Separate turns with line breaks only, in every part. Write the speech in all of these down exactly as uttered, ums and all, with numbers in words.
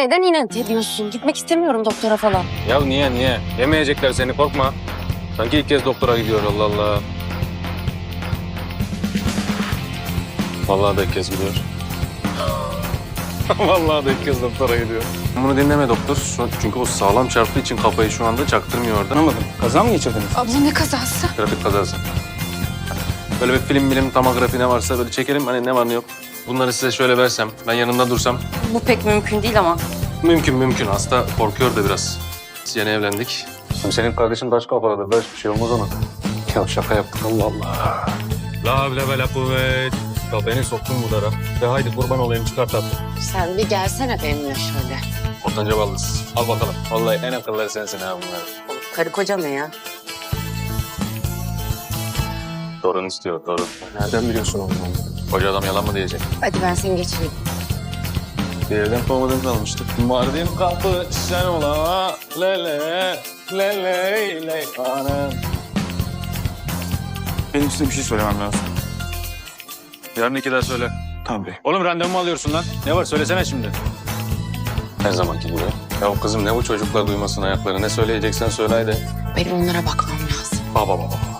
neden inat ediyorsun? Gitmek istemiyorum doktora falan.
Ya niye niye? Yemeyecekler seni, korkma. Sanki ilk kez doktora gidiyor, Allah Allah. Vallahi da ilk kez gidiyor. Vallahi da ilk kez doktora gidiyor. Bunu dinleme doktor. Şu- Çünkü o sağlam çarptığı için kafayı şu anda çaktırmıyor orada.
Anlamadım. Kaza mı geçirdiniz?
Abla ne kazası?
Trafik kazası. Böyle bir film bilim tomografi ne varsa böyle çekelim. Hani ne var ne yok. Bunları size şöyle versem, ben yanında dursam.
Bu pek mümkün değil ama.
Mümkün mümkün. Hasta korkuyor da biraz. Biz yeni evlendik. Senin kardeşin taş kafalıdır. Böyle bir şey olmaz ona. Ya şaka yaptık, Allah Allah. La havle ve la kuvvet. Ya beni soktun bu dara. De haydi kurban olayım, çıkart tatlım.
Sen bir gelsene benimle şöyle.
Ortanca baldız. Al bakalım. Vallahi en akılları sensin ha bunlar.
Karı koca ne ya?
Torun istiyor, torun.
Nereden biliyorsun onu?
Koca adam yalan mı diyecek?
Hadi ben seni geçireyim.
Bir evden kovmadan kalmıştık. Mardin kapı sen ola. Lele, lele, lele. Anam.
Benim size bir şey söylemem lazım.
Yarın iki daha söyle.
Tamam bey.
Oğlum randevu mu alıyorsun lan? Ne var söylesene şimdi. Her zamanki gibi. Ya kızım ne bu çocuklar duymasın ayakları. Ne söyleyeceksen söyle haydi.
Benim onlara bakmam lazım.
Baba baba baba.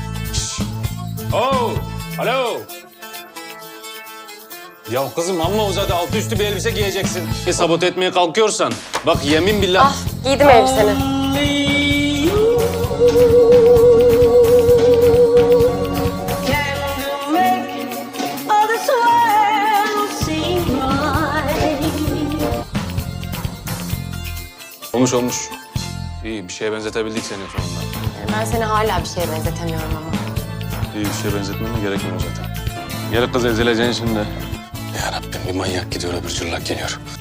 Oh, alo. Ya kızım amma uzadı. Altı üstü bir elbise giyeceksin. Bir sabote etmeye kalkıyorsan. Bak yemin billah.
Ah, giydim elbiseni.
Olmuş olmuş. İyi bir şeye benzetebildik seni sonunda.
Ben seni hala bir şeye benzetemiyorum ama.
İyi bir şeye benzetmene gerekmiyor zaten. Gel kız ezileceksin şimdi. Ya Rabbim bir manyak gidiyor öbür cırlak geliyor.